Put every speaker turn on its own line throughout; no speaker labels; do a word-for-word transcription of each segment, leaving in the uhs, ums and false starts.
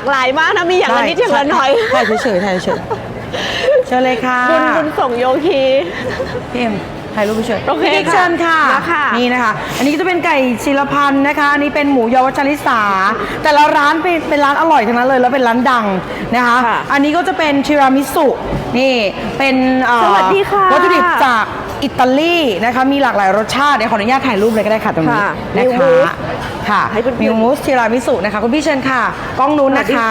ากหลายมากนะมีอย่างละนิดอย่างละหน่อย
ถ่ายเฉยๆถ่ายเฉยๆเชิญเลยค่ะ
บุญบุญส่งโยคี
พี่เอ็มถ่ายรูปเฉยๆ
โอเค
เชิญค่ะนี่นะคะอันนี้ก็จะเป็นไก่ศิลพันธ์นะคะอันนี้เป็นหมูยอวัชริสาแต่ละร้านเป็นเป็นร้านอร่อยทั้งนั้นเลยแล้วเป็นร้านดังนะคะอันนี้ก็จะเป็นชิรามิสุนี่เป็น
สวัสดีค่ะ
วัตถุดิบจากอิตาลีนะคะมีหลากหลายรสชาติเดี๋ยวขออนุญาตถ่ายรูปเลยก็ได้ค่ะตรงนี้นะคะค่ะมิวมูสชิรามิสุนะคะคุณพี่เชิญค่ะกล้องนู้นนะคะ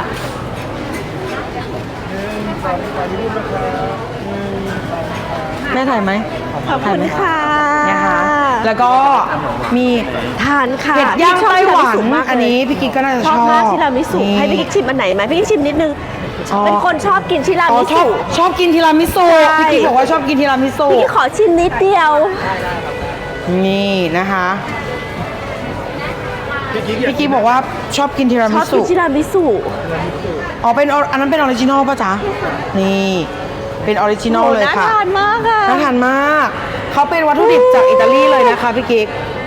แม่ถ่ายไหม
ขอบคุณค่ะ
นะคะแล้วก็มี
ทานค่ะ
เห็ดย่างไต้หวันอันนี้พี่กิ๊กก็น่าจะชอบ
ชอบมากชิรามิสุให้พี่กิ๊กชิมอันไหนไหมพี่กิ๊กชิมนิดนึงเป็นคนชอบกินชิรามิสุ
ชอบกินทีรามิสุพี่กิ๊กบอกว่าชอบกินทีรามิสุ
พี่กิ๊กขอชิมนิดเดียว
นี่นะคะพี่กิ๊กบอกว่าชอบกินทีรามิสุ
ชอบกินชิรามิสุ
อ๋อเป็นอันนั้นเป็นออริจินอลป่ะจ๊ะนี่เป็นออริจินอลเลยค่ะ
น่าทานมากค่ะ
น่าทานมากเขาเป็นวัตถุดิบจากอิตาลีเลยนะคะพี่กิ๊ก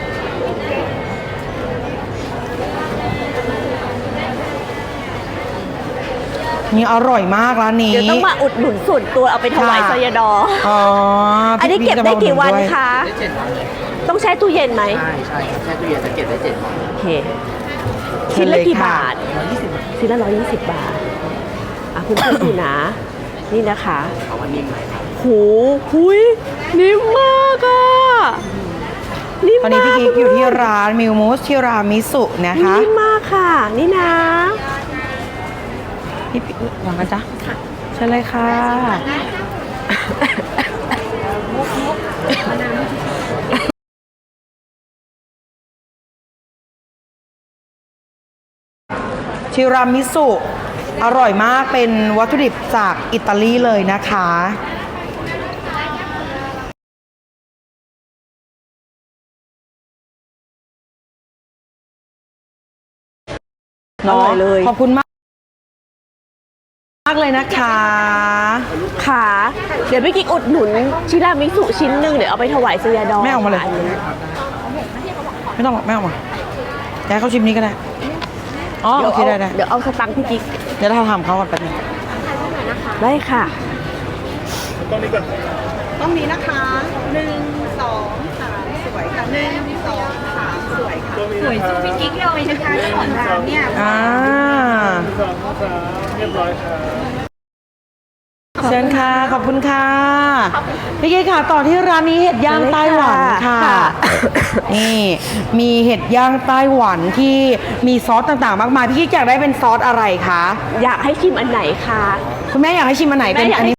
นี่อร่อยมากร้านนี้
เดี๋ยวต้องมาอุดหนุนส่วนตัวเอาไปถวายซอยดอ
อ๋อ
อันนี้เก็บได้กี่วันคะต้องแช่ตู้เย็นไหม
ใช่ใช่แช่ตู้เย็นจะเก็บได้เจ็ดวัน
โอเคชิ้นละกี่บาทชิ้นละร้อยยี่สิบบาทอ่ะคุณผู้ชมดูนะนี่นะคะ
เอาวันนิ่มไหมครับ
โหหุยนิ่มมากอ่ะ
นิ่มมากตอนนี้พี่กิ๊กอยู่ที่ร้านมิวมูสชิรามิสุนะคะ
นิ่มมากค่ะนี่นะ
พี่ปิ๊กวางกันจ้ะเชิญเลยค่ะชิรามิสุอร่อยมากเป็นวัตถุดิบจากอิตาลีเลยนะคะ
อร่อยเลย
ขอบคุณมากมากเลยนะคะ
ค่ะเดี๋ยวพี่กิ๊กอุดหนุนชิรามิสุชิ้นหนึ่งเดี๋ยวเอาไปถวายซอยดอ
ไม่ออกมาเลยไม่ต้องไม่ออกมาแกเขาชิมนี้ก็ได้อ๋อโอเคได้ได้
เดี๋ยวเอาสตังค์พี่กิ๊ก
เดี๋ยวเราทำเขาก่อนแป๊บนึง
ได้ค่ะ
ต้องนี้ก่อนต้องนี้นะคะหนึ่งสองสามสวยค่ะหนึ่งสองสามสวยค่ะ
สวยสู้พี่กิ๊กเลยนะคะเจ้าของร้านเนี่ย
อ่า
สองสามเรียบร้อยค่ะ
เชิญค่ะขอบคุณค่ะพี่กิ๊กค่ะต่อที่ร้านนี้เห็ดย่างไต้หวันค่ะนี่มีเห็ดย่างไต้หวันที่มีซอสต่างๆมากมายพี่กิ๊กอยากได้เป็นซอสอะไรคะ
อยากให้ชิมอันไหนคะ
คุณแม่อยากให้ชิมอันไหนเป็นอันนี้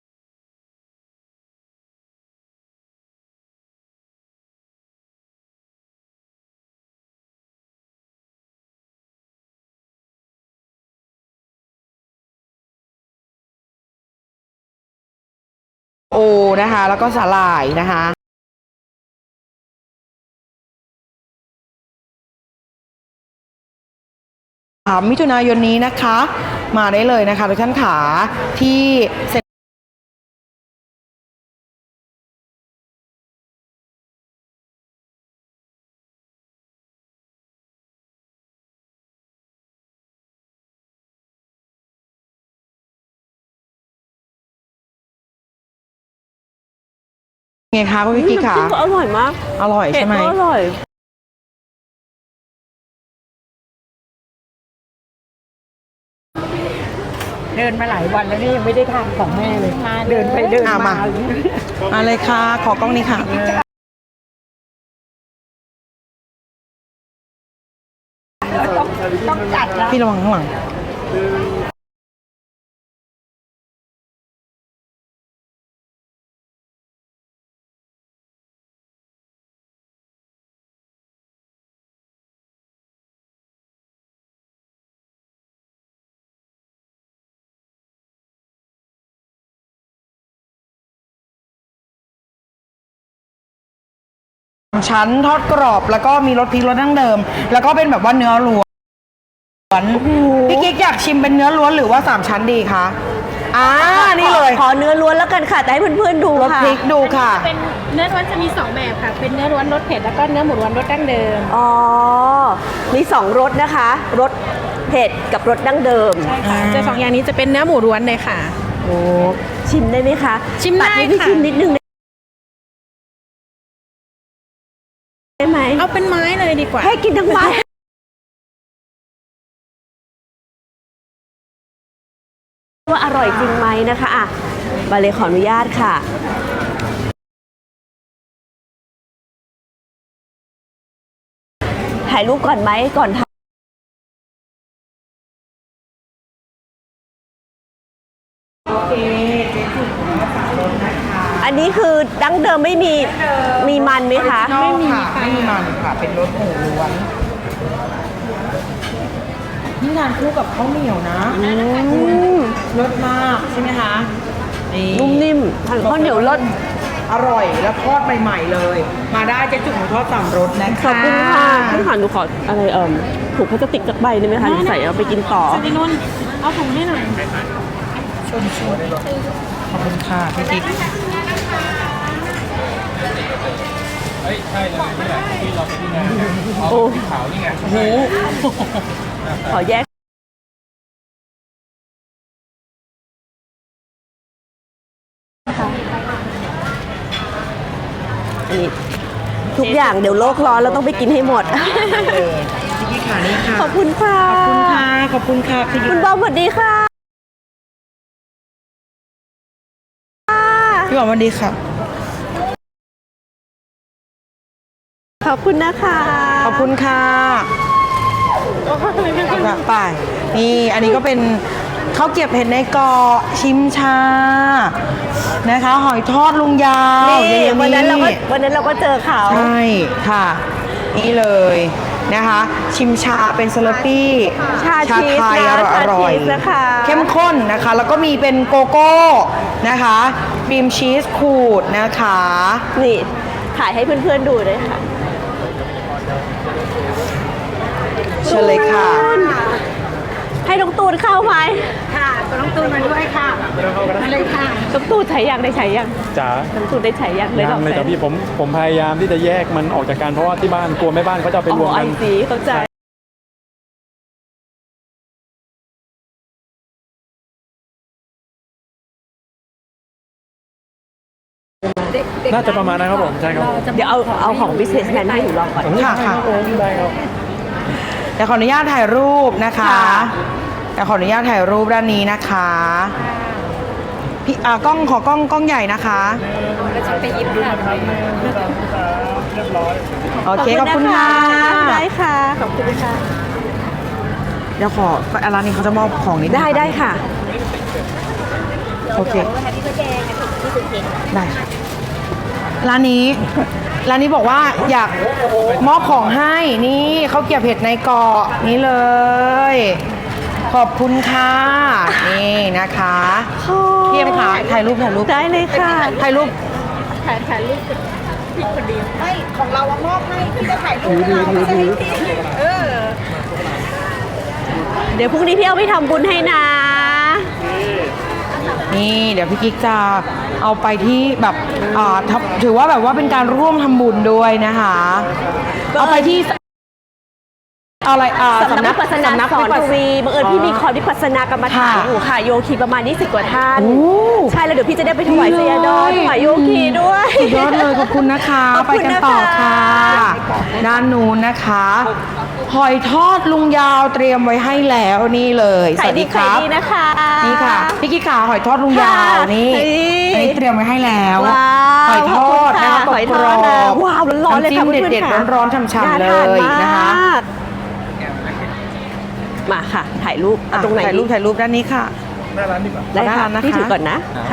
โอนะคะแล้วก็สาหร่ายนะคะมิถุนายนนี้นะคะมาได้เลยนะคะทุกท่านขาที่เซ็นไงคะคุณพี่กิ๊กค่ะ
อร่อยมาก
อร่อยใช่ไหม
อร่อย
เดินมาหลายวันแล้วนี่ยังไม่ได้ทานของแม่เลยเดินไปเดินมา
มาเลยค่ะขอกล้องนี้ค่ะ
ต้องจัดแล้ว
พี่ระวังข้างหลังชั้นทอดกรอบแล้วก็มีรสพริกรสดั้งเดิมแล้วก็เป็นแบบว่าเนื้อล้วนพี่กิ๊กอยากชิมเป็นเนื้อล้วนหรือว่าสามชั้นดีคะอ่านี่เลย
ขอเนื้อล้วนแล้วกันค่ะแต่ให้เพื่อนๆดู
รส
ค่ะ
พริกดูค่ะ
เป็นเนื้อล้วนจะมีสองแบบค่ะ เป็นเนื้อล้วนรสเผ็ดแล้วก็เนื้อหมูล้วนรสดั้งเดิม
อ๋อมีสองรสนะคะรสเผ็ดกับรสดั้งเดิม
ใช่ค่ะจะสองอย่างนี้จะเป็นเนื้อหมูล้วนเลยค่ะ
โอ้ชิมได้ไหมคะ
ชิมได้
ตัให้พี่
ค่ะ
ชิมนิดนึงได้ไหม
เอาเป็นไม้เลยดีกว่า
ให้กินทั้งไม้ว่าอร่อยจริงไหมนะคะอ่ะมาเลยขออนุญาตค่ะ ถ่ายรูปก่อนไหมก่อนทำ
โอเคเจ๊จุ๋มสามรสนะคะ
อันนี้คือดั้งเดิมไม่มีมีมันไหมคะ
ไม่มีค่ะไม่มีมันค่ะ เป็นรสหมูล้วนนี่งานคู่กับข้าวเหนียวนะ
อืม
รสมากใช่ไหมคะนี่
นุ่มนิ่มทานข้าวเหนียวรส
อร่อยแล้วทอดใหม่ๆเลย มาได้เจ๊จุ๋มทอดสามรสนะคะ
ขอบคุณค่ะพี่ขวัญหนูขออะไรเอ่มถุงพลาสติกจากใบได้ไหมคะหนูใส่เอาไปกินต่อ
สตินุ่นเอาถุงให้หน่อย
ชมชมขอบคุณค่ะพี่กิ๊ก
โอ้ขาวนี่ไงโอ้ขอแยกอันนี้ทุกอย่างเดี๋ยวโลกร้อนเราต้องไปกินให้หมด
พี่กิ๊กค่ะนี่ค่ะ
ขอบคุณค่ะ
ขอบคุณค่ะขอบคุณค่ะพี่กิ๊
คุ
ก
ณบอมสวัสดีค่ะ
พี่บอมสวัสดีค่ะ
ขอบคุณนะคะ
ขอบคุณค่ะไปนี่อันนี้ก็เป็นข้าวเกรี๊ยวเห็ดในเกาะชิมชานะคะ หอยทอดลุงยาว
นี่
เย
วันนั้นเราก็วันนั้นเราก็เจอเขา
ใช่ค่ะ นี่เลยนะคะ ชิมชาเป็นสลัดปี้
ชาชีส
ไทย
นะ
อร่อย
ชาชีสนะคะ
เข้มข้นนะคะ แล้วก็มีเป็นโกโก้นะคะครีมชีสขูดนะคะ
นี่ถ่ายให้เพื่อนๆดูด้วยค่ะ
เชิญเลยค่ะ
ให้น้องตูนเข้าไหม
ค่ะน้องตูนมาด้วยค่ะมาเลยค่ะ
น้องตูนใช้ยังได้ใช้ยัง
จ๋า
น้องตูนได้ใช้ยังเลย
ยังเลยจ้ะพี่ผมผมพยายามที่จะแยกมันออกจากกันเพราะว่าที่บ้านกลัวแม่บ้านเขาจะเอาไป
อ๋
รวม
อไอ
กัน
ซีเข้าใจ
น่าจะประมาณนั้นครับผมใช่ครับผม
เดี๋ยวเอาเอาของ businessman ให้หนูลองก่อน
ค่ะค่ะ
ได้ครับ
เดี๋ยวขออนุญาตถ่ายรูปนะคะ
ค่ะ
เดี๋ยวขออนุญาตถ่ายรูปด้านนี้นะคะพี่อ่ากล้องขอกล้องกล้องใหญ่นะคะ
ไปยิบค่ะ
โอเคขอบคุณค่ะ
ได้ค่ะ ขอบคุณค่ะ
เดี๋ยวขอร้านนี้เขาจะมอบของนิดนึง
ได้ได้ค่ะ
โอเคได้ค่ะร้านนี้ร้านนี้บอกว่าอยากมอบของให้นี่ข้าวเกรี๊ยวเผ็ดในเกาะนี่เลย ขอบคุณค่ะนี่นะคะเทียมค่ะถ่ายรูปถ่ายรูป
ได้เลยค่ะ
ถ่ายรูป
ถ่ายถ่ายรูปพี่คนเดียวไม่ของเรามอบให้พี่จะถ่ายรูป
ถือถือถือ
เออ
เดี๋ยวพรุ่งนี้พี่เอาไปทำบุญให้นะ
นี่เดี๋ยวพี่กิ๊กจะเอาไปที่แบบอ่าทำถือว่าแบบว่าเป็นการร่วมทำบุญด้วยนะคะ เอาไปที่เอาอะไรอ่า
สำนักวิปัสสนาสอน
วิปัส
ฟรีบังเอิญพี่มีคอร์สวิปัสสนากรรมฐาน
ค่ะ
อยู่ค่ะโยคีประมาณยี่สิบกว่าท่าน
โอ้
ใช่แล้วเดี๋ยวพี่จะได้ไปถวาย
ดี
เซ
เลย
ยาดอนถวายโยคีด้วย
สุดยอดเลยขอบคุณนะคะ
ขอบ
ไป
คุณ
กัน
นะคะ
ต่อค่ะ ด้านนู้นนะคะหอยทอดลุงยาวเตรียมไว้ให้แล้วนี่เลยส
ขาย
วัส
ดี
ดีค
ขาย
รับ
ดีนะคะ
นี่ค่ะพี่กิ๊กขาหอยทอดลุงยาว
ค่ะ
นี่
นี่
อันนี้เตรียมไว้ให้แล้ว
ว้าว
หอยทอดนะคะ
ขอบคุณ
กร
ค่ะ
อบ
หอยทอดนะว้าวร้อนๆเลยค่ะ
ำจิ้ม
เพื่อนๆ
เด็ด
ค่ะ
ๆร้อนๆช่ำๆเล
น่าทาน
ยนะคะ
มากมาค่ะ ถ่ายรูปเอาตรงไหน
ถ่ายรูป
ดี
ถ่ายรูปด้านนี้ค่ะ
หน้าร้านดีกว่า
ได้
หน้า
ค่ะ
ร้านนะคะ
พี่ถือก่อนนะค่ะ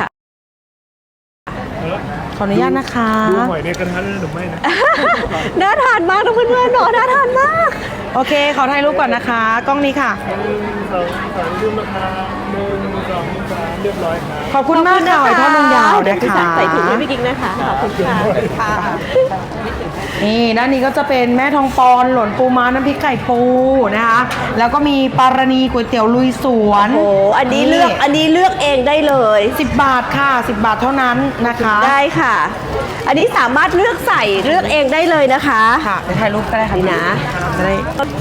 ขออนุญาตนะคะ
ดูหอยในกระทะหรือไม่นะ
น่าทานมากนะเพื่อนๆเนาะน่าทานมาก
โอเค ขอถ่ายรูปก่อนนะคะ กล้องนี้ค่ะ
หนึ่งสองสามรูปนะคะหนึ่งสองสามเรียบร้อยครับ
ขอบคุณมากค่ะหอยทอดลุงยาว
เดี๋
นะ
พี่
คะ
ใส่ถุงให้พี่กิ๊กนะคะ ขอบคุณค่ะ
นี่ด้านนี้ก็จะเป็นแม่ทองปอนหล่นปูม้าน้ำพริกไก่ปูนะคะแล้วก็มีปารณีก๋วยเตี๋ยวลุยสวน
โอ้โหอันนี้เลือกอันนี้เลือกเองได้เลย
สิบบาทค่ะสิบบาทเท่านั้นนะคะ
ได้ค่ะ อันนี้สามารถเลือกใส่เลือกเองได้เลยนะคะ
ค่ะไปถ่ายรูปก็ได้ค่ะ
นี่นะ
จะได้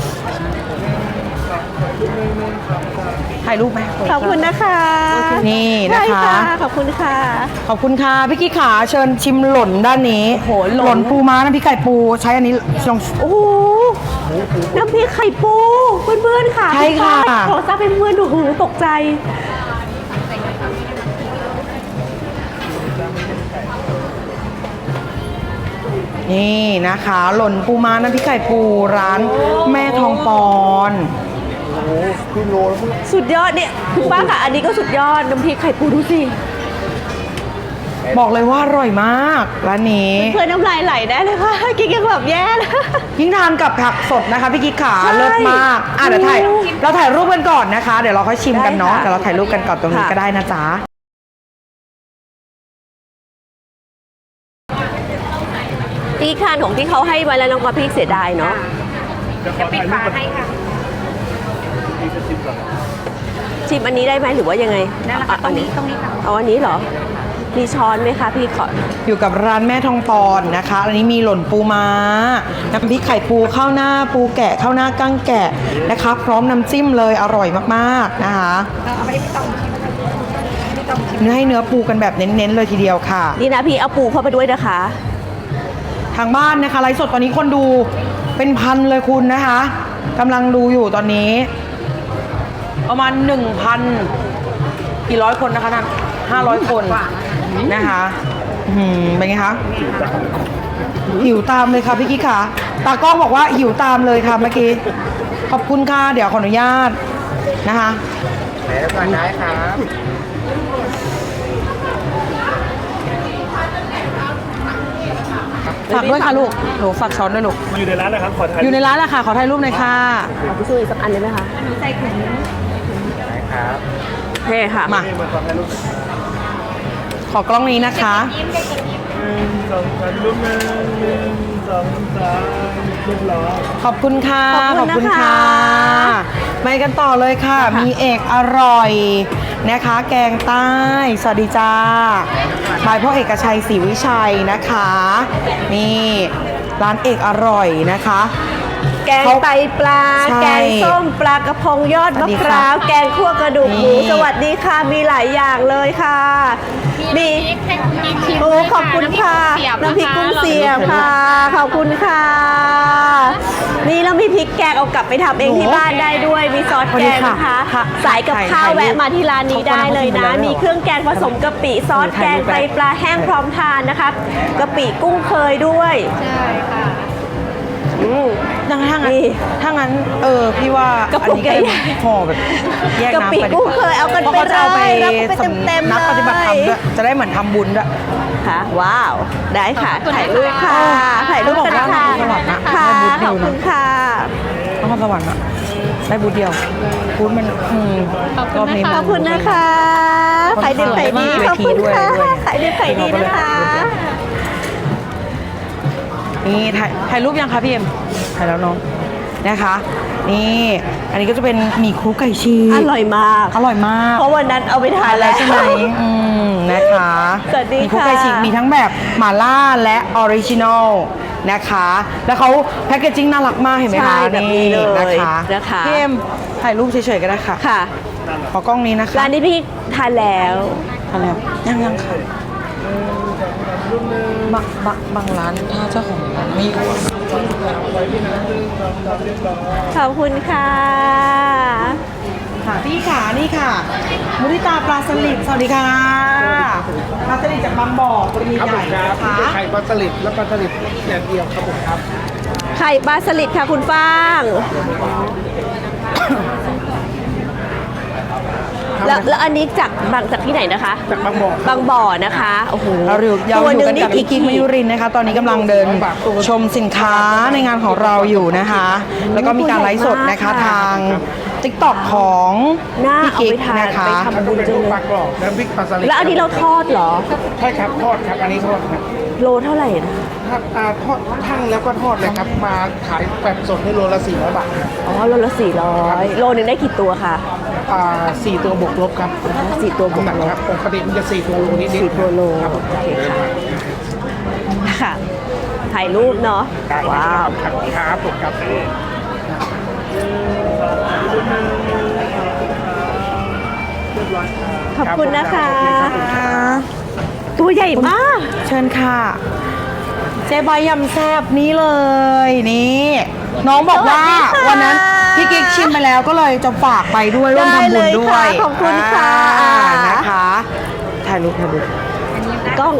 ถ่ายรูปไหม
ขอบคุณนะคะ
นี่นะ
ได้
คะ
ขอบคุณค่ะ
ขอบคุณค่ะพี่กิ๊กขาเชิญชิมหล่นด้านนี้
โอ้โหหล่น
หล่นปูม้าน้ำพริกไก่ปูใช้อันนี้ลอง
โอ้โหน้ำพริกไข่ปูเพื่อนๆค่ะ
ใช่ค่ะ
ขอทราบเป็นเพื่อนดูหูตกใจ
นี่นะคะ หล่นปูม้าน้ำพริกไก่ปูร้านแม่ทองปอน
สุดยอดเนี่ยคุณป้าค่ะ อันนี้ก็สุดยอดน้ำพริกไข่ปูดูสิ
บอกเลยว่าอร่อยมากร้านนี้
เพื่อนน้ำลายไหลได้เลยค่ะกินกันแบบแย่นะ
ยิ่งทานกับผักสดนะคะพี่กิ๊กขา
ใช่
เลิศมากอ่ะเดี๋ยวถ่ายเราถ่ายรูปกันก่อนนะคะ เดี๋ยวเราค่อยชิมกันเนาะ
ได้ค่ะ
เดี๋ยวเราถ่ายรูปกันก่อนตรงนี้
ค่ะ
ก็ได้นะจ๊ะ
พี่คานของที่เขาให้ไว้แล้วน้องกอพี่เสียดายเนาะ
จะปิดฝาให้ค่ะ
ชิมอันนี้ได้ไหมหรือว่ายังไง
นั่นแหละค่ะ
เอา
ตรงนี้ตรงนี้ค่ะ
เอาอันนี้เหรอ มีช้อนไหมคะพี่ขอ
อยู่กับร้านแม่ทองปอนนะคะ อันนี้มีหล่นปูม้า น้ำพริกไข่ปูข้าวหน้าปูแกะข้าวหน้ากั้งแกะนะคะ พร้อมน้ำจิ้มเลยอร่อยมากๆนะคะ
เอาไปไม่ต้องชิมไม่ต้องชิม
เนื้อให้เนื้อปูกันแบบเน้นๆเลยทีเดียวค่ะ
นี่นะพี่เอาปูเข้าไปด้วยนะคะ
ทางบ้านนะคะไลฟ์สดตอนนี้คนดูเป็นพันเลยคุณนะคะกำลังดูอยู่ตอนนี้ ประมาณหนึ่งพันกี่ร้อยคนนะคะท่านห้าร้อยคนนะคะอืมเป็นไงคะหิวตามเลยค่ะพี่กิ๊กค่ะตากล้องบอกว่าหิวตามเลยค่ะเมื่อกี้ขอบคุณค่ะเดี๋ยวขออนุญาตนะคะ
ไหนแล้วก่อนได้ครับ
ฝากด้วยค่ะลูกหนูฝากช้อนด้วยลูก
อยู่ในร้านนะครับ ขอถ่าย
อยู่ในร้านแหละค่ะขอถ่ายรูปหน่อยค่ะ
เอาไปช่วยอีกสักอันได้ไหมคะ
ใส่ถุง
ได้ครับ
โอเคค่ะ
มา
นี่มาขอถ่ายรูป
ขอกล้องนี้นะคะ
หนึ่งสองสามรูปหนึ่งหนึ่งสองสามเรียบร้อย
ขอบคุณค่ะ
ขอบคุณนะคะ
ไปกันต่อเลยค่ะ มีเอกอร่อยนะคะ แกงใต้ สวัสดีจ้าบายพ่อเอกชัยศรีวิชัยนะคะ นี่ร้านเอกอร่อยนะคะ
แกงไตปลา
ใช่
แกงส้มปลากระพงยอด
สวั
มะ
สดี
พ
ค่ะ
ร้าว แกงคั่วกระดูกหมู
นี่
สวัสดีค่ะ มีหลายอย่างเลยค่ะ มีโอ้ขอบคุณค่ะน้ำพริกกุ้งเสียบค่ะ ขอบคุณค่ะ นี่แล้วมีพริกแกงเอากลับไปทำเองที่บ้านได้ด้วย มีซอสแกงนะคะ สายกับข้าวแวะมาที่ร้านนี้ได้เลยนะ มีเครื่องแกงผสมกะปิ ซอสแกงไตปลาแห้งพร้อมทานนะคะกะปิกุ้งเคยด้วย
ใช่ค่ะ
อืม
ถ้างั้น
นี่
ถ้างั้นเออพี่ว่าก
ระปุก
อันนี้
ใหญ่
ห่อแบบแยก
กะ
น้ำ
ปิ
ไปดี
กุ้ง
กว่า
เคยเอากัน
เพราะ
ไป
เขาจะเอาไป
เลยรับไปเต็มๆ
นักปฏิบัติธรรม
เลย
ด้วยจะได้เหมือนทำบุญด้วย
ค่ะว้าว ได้ค่ะ ถ่ายรูปค่ะ ถ่ายรูปกันนะคะ
ขอบคุณค่ะ
ค่ะ
ได้บุญเดี
ข
ยว
อบ
นะ
คุณค่ะ
นครสวรรค์อะได้บูธเดียวบูธมันอืมรอบนี้
ขอบคุณนะคะขายดีขายดี ขอบคุณค่ะขายดีขายดีนะคะ
นี่ถ่ายถ่ายรูปยังคะพี่เอ็มถ่ายแล้วน้องนะคะ นี่อันนี้ก็จะเป็นหมี่คลุกไก่ชีส
อร่อยมาก
อร่อยมาก
เพราะวันนั้นเอาไปทานแล้ว
ใช่ไหมอืมนะคะ
สวัสดี
หมี่คลุก
ค่ะ
ไก่ฉีกมีทั้งแบบหม่าล่าและออริจินอลนะคะ แล้วเขาแพคเกจจิ้งน่ารักมากเห็นไหม
ใช่
คะ
แบบนี้เลย
นะคะ
นะคะ
พี่เอ็มถ่ายรูปเฉยๆก็ได้ค่ะ
ค่ะ
ขอกล้องนี้นะคะ
ร้านนี้พี่ทานแล้ว
ทานแล้วยังยังค่ะบางบางบางร้านถ้าเจ้าของร้านไม่อยู่อะ
ขอบคุณค่ะ
ค่ะพี่ขานี่ค่ะ มุริตาปลาสลิดสวัสดีค่ะปลาสลิดจากบางบ่อตัวใหญ่ๆนะคะ
ไข่ปลาสลิดและปลาสลิดแดดเดียวครับผมครับ
ไข่ปลาสลิดค่ะคุณฟาง แล้วแล้วอันนี้จากบางจากที่ไหนนะคะ
จากบางบ่อ
บางบ่อนะคะ โอ้โห
เราอยู่ยาว
ตัว
อ
ห
ยู่
นึ่ง
กัน
นี่
กับพี่กิ๊กมยุรินทร์นะคะ ตอนนี้กำลังเดินชมสินค้าในงานของเราอยู่นะคะ แล้วก็มีการไลฟ์สดนะคะทาง ติ๊กต็อก ของ
น่า
พี่
เอา
กิ๊ก
ไปทาน
นะคะ
ไปทำบุญจัง
ป
เล
ลาย กรอบน้ำพริกปลาสลิด
แล้วอันนี้เราทอดเหรอ
ใช่ครับทอดครับ อันนี้ทอดครับ
โลเท่าไหร่นะ
ถ้าอ่าทอดทั้งแล้วก็ทอดเลยครับมาขายแบบสดให้โลละสี่ร้อยบาทครับ
อ๋อโลละสี่ร้อยโลหนึ่งได้กี่ตัวคะ
อ่าสี่ตัวบวกลบครับ
สี่ตัวบวก
น้ำหนัก
ลบ
ครับปกติมันจะสี่ตัวโลนิดๆ
สี่ตัวโล
ครับผม
โอเคค่ะค่ะ ถ่ายรูปเนาะ ว้าว
ครับครับผมครับ
ขอบคุณนะคะ ตัวใหญ่มาก
เชิญค่ะ เจ๊ใบยำแซบนี้เลยนี่ น้องบอกว่า
สวัสดีค่ะ
วันนั้นพี่กิ๊กชิมไปแล้วก็เลยจะฝากไปด้วยร่วมทำบุญด้วย
ได้เลยค่ะขอบคุณค่ะ
อ่านะคะถ่ายรูปถ่ายรูป
กล้อง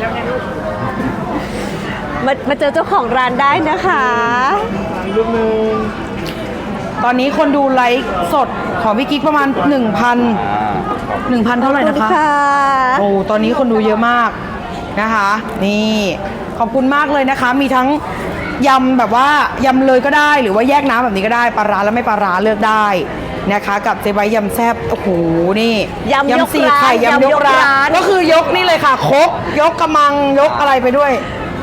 มามาเจอเจ้าของร้านได้นะคะ
รูปหนึ่ง
ตอนนี้คนดูไลฟ์สดของพี่กิ๊กประมาณ 1,000 1,000 เท่าไหร่
ขอบ
นะ
คุณ
คะ
ค่ะ
โอ้ตอนนี้คนดูเยอะมากนะคะ นี่ขอบคุณมากเลยนะคะ มีทั้งยำแบบว่ายำเลยก็ได้ หรือว่าแยกน้ำแบบนี้ก็ได้ปลาร้าและไม่ปลาร้าเลือกได้นะคะ กับเจ๊ใบยำแซ่บโอ้โหนี่
ยำยก
สี่
ร้าน
ไข่ยำยกร้าน
ยำยกร้าน
ก็คือยกนี่เลยค่ะครกยกกระมังยกอะไรไปด้วย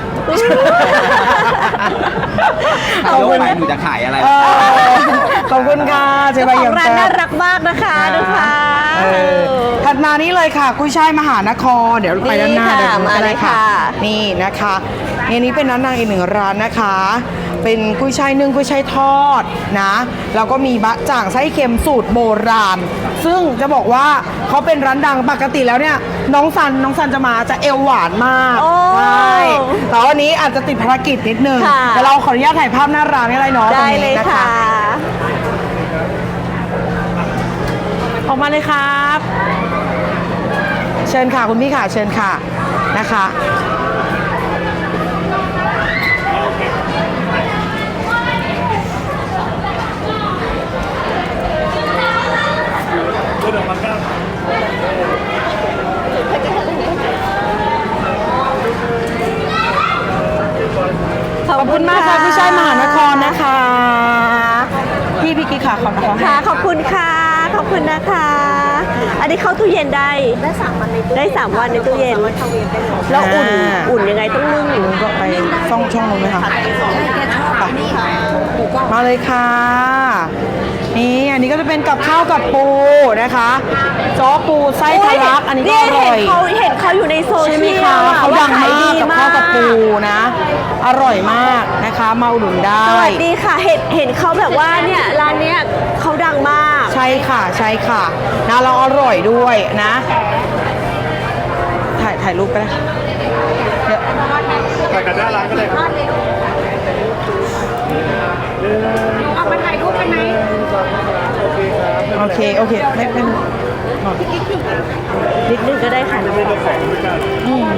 เอายกไปหนูจะขายอะไร
เออขอบคุณค่ะเจ๊ใบ
เจ้าของ
ยำ
ร้าน
แซ่
น่า
บ
รักมากนะคะดูค่ะ
เออถัดมานี้เลยค่ะกุ้ยช่ายมหานคร เดี๋ยวไปด้านหน้า
นี่ค่ะ
เดี๋ยว
มาเลยค่ะ
นี่นะคะอันนี้เป็นร้านนางอีกหนึ่งร้านนะคะ เป็นกุ้ยช่ายนึ่งกุ้ยช่ายทอดนะแล้วก็มีบะจ่างไส้เค็มสูตรโบราณ ซึ่งจะบอกว่าเขาเป็นร้านดังปกติแล้วเนี่ยน้องซันน้องซันจะมาจะเอวหวานมาก
โอ้
ใช่แต่วันนี้อาจจะติดภารกิจนิดนึง
ค่ะ
แต่เราขออนุญาตถ่ายภาพหน้าร้านอะไรเนาะตร
ได้
ง
เล
นี้
ย
นะ
ค่ะ
คะ ออกมาเลยครับ เชิญค่ะคุณพี่ค่ะเชิญค่ะนะคะ
เดินออกมาก้าว
ขอบคุณมากค่ะพี่ชายมหานครนะคะ พี่พี่กิ๊กค่ะขอบคุณ
ค่ะ
ค่ะ
ขอบคุณค่ะ ขอบคุณนะคะ อันนี้เข้าตู้เย็นได้ ได้สามวันในตู้ได้สามวันในตู้เย็นแล้วอุ่น อุ่นยังไงต้องนึ่ง
ลุงก็ไปซ่องช่องนู้นไหมคะไปมาเลยค่ะ นี่อันนี้ก็จะเป็นกับข้าวกับปูนะคะจ้อปูไส้ทะลักอันนี้ก็อร่อย
เห็นเขาเห็นเขาอยู่ในโซ
ใช่
เชี
ไหม
ย
คะ
ลอะ
เขาดัง
ว่
มากกับข้าวกับปู
มาก
นะ อร่อยมากนะคะมาอุดหนุนได้
สวัสดีค่ะ เห็นเห็นเขาแบบว่าเนี่ยร้านเนี้ยเขาดังมาก
ใช่ค่ะใช่ค่ะนะเราอร่อยด้วยนะ ถ่ายถ่ายรูปไปเลยเดี๋ยว
ถ่ายกันหน้าร้านก็ได้ครับ
เอามาถ่ายรูปกันไหม
โอเคครับ
โอเคโอเคไม่ไม่
นิดนึงก็ได้ค่ะ
ไม่ต้องแข่งด้วยกัน
อืม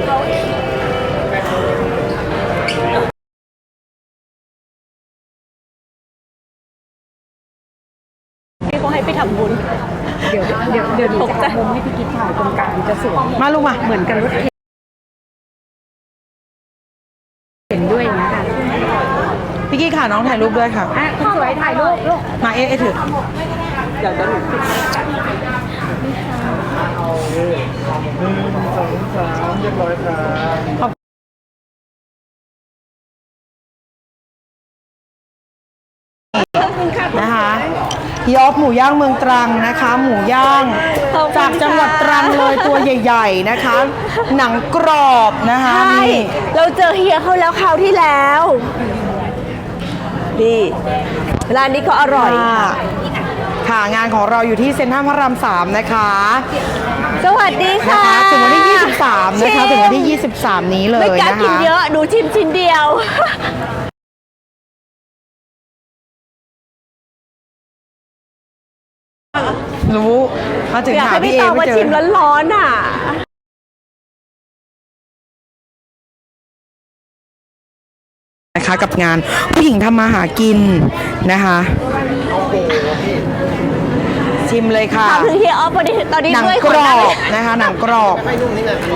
พี่เขาให้ไปทำบุญ
เดี๋ยวเดี๋ยวเดี๋ยวหนูจะมุมให้พี่กิ๊กถ่ายตรงกลางจะสวย
มาลูกมา
เหมือนกันรถเห็นด้วยอย่างเงี้ยค่ะ
พี่กี้ค่ะน้องถ่ายรูปด้วยค่ะ
อ่ะคุณสวยถ่ายรูปลูก
มาเอ๊ะเอ๊ะถือ
เดี๋ยวจะหนู
หนึ่งสองสามเรียบร้อยครับ
นะคะยอบหมูย่างเมืองตรังนะคะ หมูย่าง
ขอบคุณ
จากจังหวัด
ค่ะ
ตรังเลยตัวใหญ่ ๆนะคะ หนังกรอบนะคะ
ใช่
นี่
เราเจอเฮียเขาแล้วคราวที่แล้วนี่ร้านนี้ก็อร่อย
ค่ะค่ะงานของเราอยู่ที่เซ็นทรัลพระรามสามนะคะ
สวัสดี
นะ
ค่ะ
คะถึงวันที่ ยี่สิบสาม นะคะ ถึงวันที่ ยี่สิบสาม นี้เล
ไม่
ย
กล้า
นะ
กิน
คะ
เยอะหนูชิมชิ้นเดียว
รู้มาถึง
อยาก
หา
ให้
พี่
พี่
เอ
ตอง
ไม่
มา
เจ
ชิ
อ
มร้อนๆอ่ะ
นะคะกับงานผู้หญิงทำมาหากินนะคะ ชิมเลยค่ะ
ถามถึงเฮียออฟตอนนี้ตอนนี้
หนัง
ด้วย
กรอบ
ข
นะคะ หนังกรอบ
ไม่นุ่มนิดนึง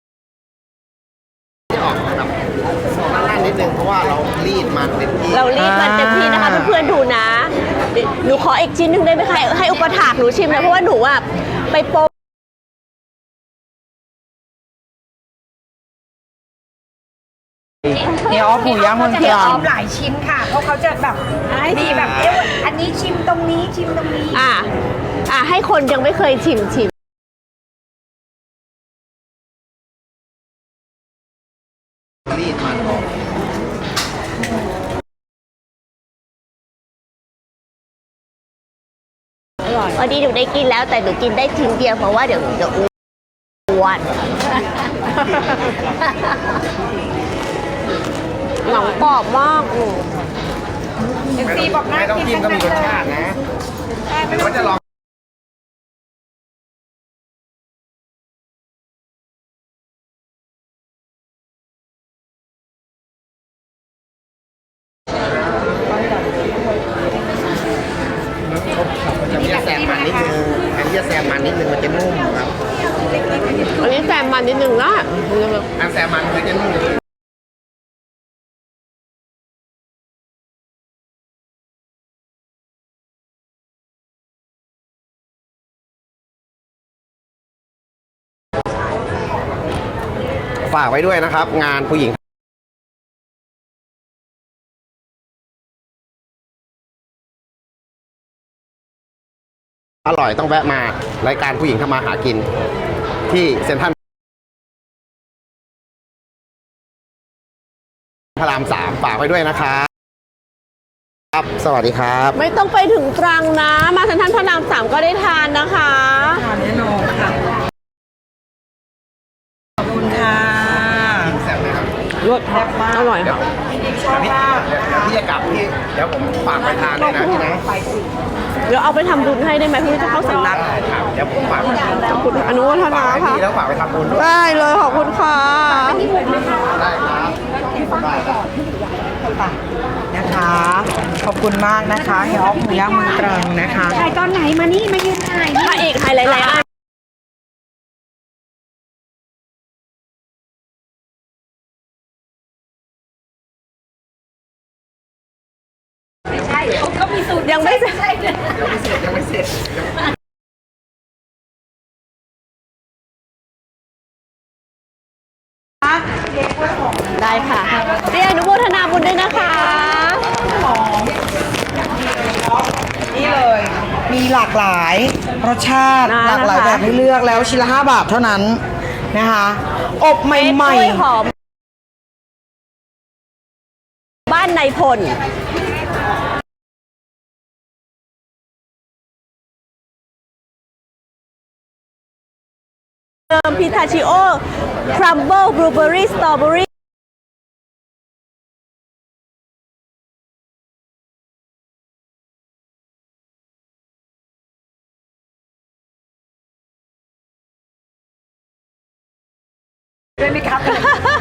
ที่ออกแบบด้านนิดนึงเพราะว่าเรารีดมันเต็มที่
เรารีบมันเต็มที่นะคะ
อ่า
เพื่อนๆดูนะเดี๋ยวหนูขออีกชิ้นหนึ่งได้ไหมคะให้ให้อุปถากหนูชิมนะเพราะว่าหนูอ่ะไปโปร
เนี่ยออฟหมูย่างเมืองต
เดี๋ยว
รั
อง อมหลายชิ้นค่ะ เพราะเขาจะแบบมีแบบเอ๊ะอันนี้ชิมตรงนี้ชิมตรงนี้
อ่ะอ่ะให้คนยังไม่เคยชิมชิม
รีดมันออก
วันนี้หนูได้กินแล้วแต่หนูกินได้ชิ้นเดียวเพราะว่าเดี๋ยวหนูจะอ้วนหนังกรอบมากอืม
เอฟซีบอกน่า
ไม่ต้อง
กิน
จิ้มก็มีรสชาตินะหรือว่าจะลองอันนี้จะแซมมันนิดนึงอันนี้จะแซมมันนิดนึงมันจะนุ่มครับ
อันนี้แซมมันนิดนึงนะ
อันแซมมันมันจะนุ่ม ฝากไว้ด้วยนะครับ งานผู้หญิงอร่อยต้องแวะมารายการผู้หญิงทำมาหากิน ที่เซ็นทรัลพระรามสามฝากไว้ด้วยนะครับครับสวัสดีครับ
ไม่ต้องไปถึงตรังนะ มาเซ็นทรัลพระรามสามก็ได้ทานนะคะ
ทานแน่นอนค่ะ ขอบคุณค่ะ
แซ่บไหมครับ
รสอร่อยค่ะ
ชอบมาก
เดี๋ยวพี่จะกลับพี่เดี๋ยวผมฝากไปทานด้วยนะพี่นะ
เดี๋ยวเอาไปทำบุญให้ได้ไหมพี่จะเข้าสำนัก
ได้ครับเดี๋ยวผมฝาก
ขอบคุณอนุโมทนา
ฝากให้
ค่ะ
พี่แล้วฝากไปทำบุญด้วย
ได้เลยขอบคุณค่ะ
ได้ครับได้ครับ
นะคะ ขอบคุณมากนะคะเฮียออฟหมูย่างเมืองตรังนะคะ
ถ่ายตอนไหนมานี่มายืนถ่ายนี่
พระเอกไฮไลท์ไลท์อัน
ใช่เขามีสูตร
ยังไม่เสร็จ
ยังไม่เสร็จ
ได้ค่ะเรียนอนุโมทนาบุญด้วยนะคะ
นี่เลย มีหลากหลายรสชาติ
นะ
หลากหลาย
นะคะ
แบบให้เลือกแล้วชิ้นละห้าบาทเท่านั้นนะคะ อบใหม่
กล้วยหอม บ้านในพลเติมพิทาชิโอ ครัมเบิลบลูเบอรี่ สตรอเบอรี่
ด้วยไหมครับ